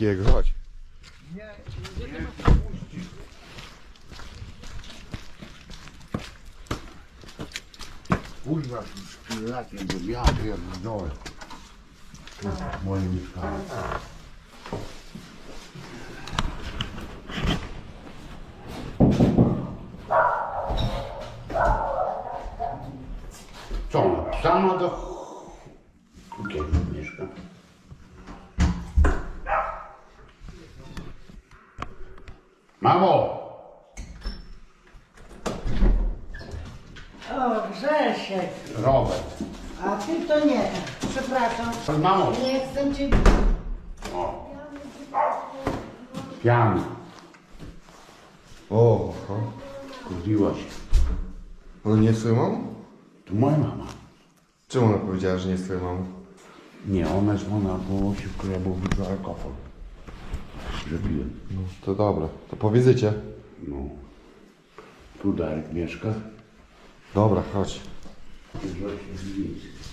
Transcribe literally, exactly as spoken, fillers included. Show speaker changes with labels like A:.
A: takiego, chodź.
B: Kurwa, z szpinakiem, bo ja pierdolę. Tu w moim mieszkaniu. Co ona? Sama do... Kiedy mieszka? Mamo!
C: O, Grzesiek,
B: Robert.
C: a ty to nie. Przepraszam.
B: Mamo!
C: Nie chcę cię...
B: O. Piany.
A: O, o.
B: Kupiła się.
A: Ona nie jest twoją mamą?
B: To moja mama.
A: Czemu ona powiedziała, że nie jest twoją mamą?
B: Nie, ona jest ona, bo się wkradł w alkohol. Że piję.
A: No, to dobra, to po wizycie.
B: No. Tu Darek mieszka.
A: Dobra, chodź.
B: Grzesiek.